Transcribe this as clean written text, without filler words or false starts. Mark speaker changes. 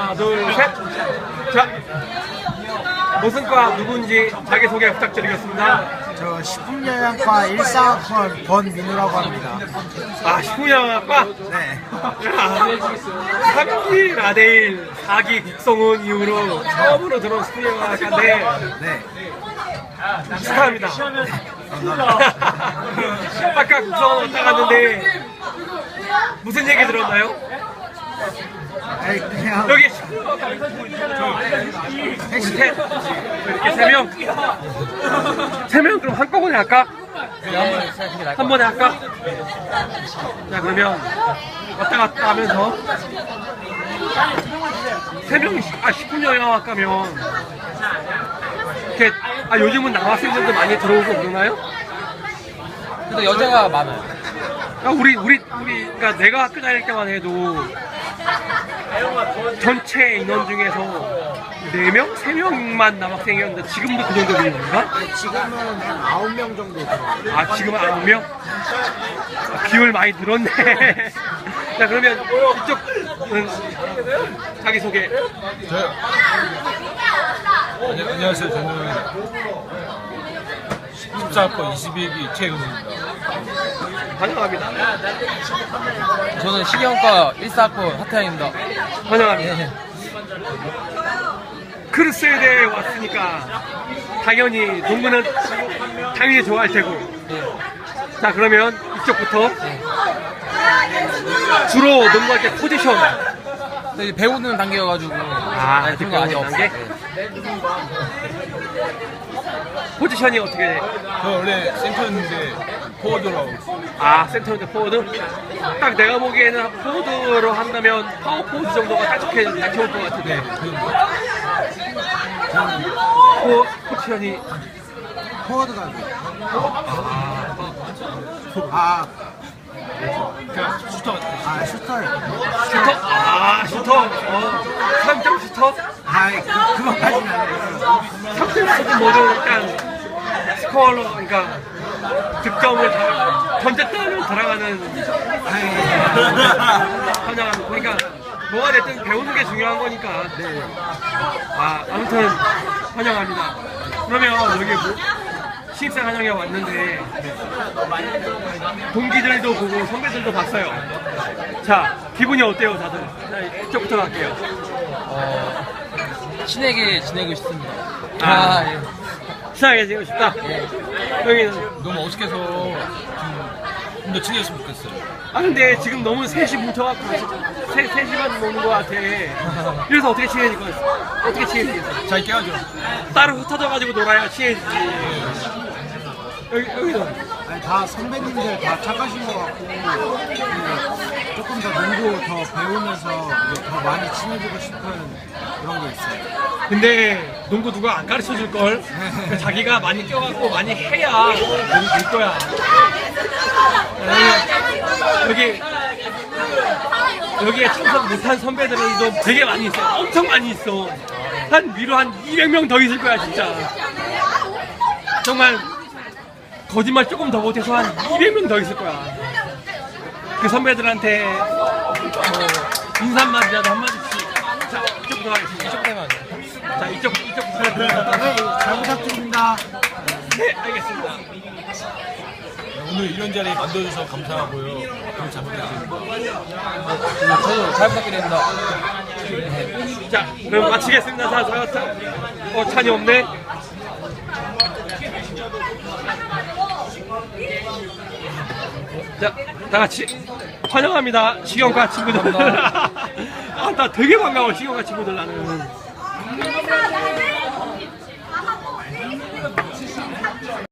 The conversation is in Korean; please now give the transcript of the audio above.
Speaker 1: 하나, 둘, 셋. 자, 무슨 과 누군지 자기소개 부탁드리겠습니다.
Speaker 2: 저 식품영양과 14학번 권민우라고 합니다.
Speaker 1: 아, 식품영양과?
Speaker 2: 네.
Speaker 1: 3기 라데일, 4기 국성훈 이후로 처음으로 들어온 식품영양과인데
Speaker 2: 네.
Speaker 1: 축하합니다. 아까 국성훈 왔다 갔는데 무슨 얘기 들었나요?
Speaker 2: 아니, 그냥
Speaker 1: 여기 식품영양과 우리 셋 이렇게 3명 3명 그럼 한꺼번에 할까? 한 번에 할까? 자, 그러면 왔다 갔다 하면서 3명이 식품영양학과면 이렇게 요즘은 남학생들도 많이 들어오고 그러나요?
Speaker 3: 근데 여자가 많아요.
Speaker 1: 그러니까 내가 학교 다닐 때만 해도 전체 인원 중에서 4명? 3명만 남학생이었는데 지금도 그 정도 되는가?
Speaker 2: 지금은 한 9명 정도 들어요.
Speaker 1: 아, 지금은 9명? 비율 많이 늘었네. 자, 그러면 이쪽은 자기소개.
Speaker 4: 저요. 안녕하세요. 저는 14학번 22기 최은우입니다.
Speaker 1: 환영합니다.
Speaker 3: 저는 식이형과 14학번 하태양입니다.
Speaker 1: 환영합니다. 크루스에 대해 왔으니까 당연히 농구는 당연히 좋아할 테고. 자, 그러면 이쪽부터 주로 농구할 때 포지션.
Speaker 3: 근데 이제 배우는 단계여가지고 그런 거 아직
Speaker 1: 배우는
Speaker 3: 없어요.
Speaker 1: 포지션이 어떻게 돼?
Speaker 4: 저 원래 센터였는데 포워드로 하고 있어요.
Speaker 1: 아, 센터인데 포워드? 딱 내가 보기에는 포워드로 한다면 파워 포워드 정도가 딱 좋을 것 같은데. 포지션이
Speaker 2: 포워드가
Speaker 4: 그냥 슈터 같아요.
Speaker 2: 슈터예요.
Speaker 1: 슈터? 아, 슈터. 3점 슈터?
Speaker 2: 그거까지는 아니에요.
Speaker 1: 3점 슈터 뭐든 일단 스코어로, 그러니까 득점을 던졌다면 들어가는 환영합니다. 그러니까 뭐가 됐든 배우는 게 중요한 거니까. 네. 아무튼 환영합니다. 그러면 여기 신입생 환영회 왔는데 동기들도 보고 선배들도 봤어요. 자, 기분이 어때요, 다들? 자, 이쪽부터 갈게요.
Speaker 3: 친하게 지내고 싶습니다.
Speaker 1: 예. 친하게 지내고 싶다. 여기는
Speaker 4: 너무 어색해서 좀 더 친해졌으면 좋겠어요.
Speaker 1: 근데 지금 너무 셋이 뭉쳐갖고 셋이만 노는 것 같아. 그래서 어떻게 친해질 거였어? 어떻게 친해지겠어?
Speaker 4: 잘 깨야죠.
Speaker 1: 따로 흩어져가지고 놀아야 친해지지. 여기도
Speaker 2: 아니, 다 선배님들 다 착하신 것 같고 조금 더 농구 더 배우면서 더 많이 친해지고 싶은 그런 게 있어요.
Speaker 1: 근데 농구 누가 안 가르쳐 줄 걸? 자기가 많이 뛰어갖고 많이 해야 농구 될 거야. 여기에 참석 못한 선배들도 되게 많이 있어. 엄청 많이 있어. 위로 한 200명 더 있을 거야, 진짜. 정말 거짓말 조금 더 못해서 한 200명 더 있을 거야. 그 선배들한테 인사 한마디라도 한마디씩. 자, 이쪽부터 하겠습니다.
Speaker 3: 이쪽 되면
Speaker 1: 자, 이쪽부터.
Speaker 2: 잘 부탁드립니다.
Speaker 1: 네, 알겠습니다.
Speaker 4: 오늘 이런 자리 만들어줘서 감사하고요. 오늘 잘 부탁드립니다.
Speaker 3: 저도 잘 부탁드립니다.
Speaker 1: 자, 그럼 마치겠습니다. 찬이 없네. 자, 다 같이 환영합니다. 식용과 친구들. 나 되게 반가워, 식용과 친구들 나는.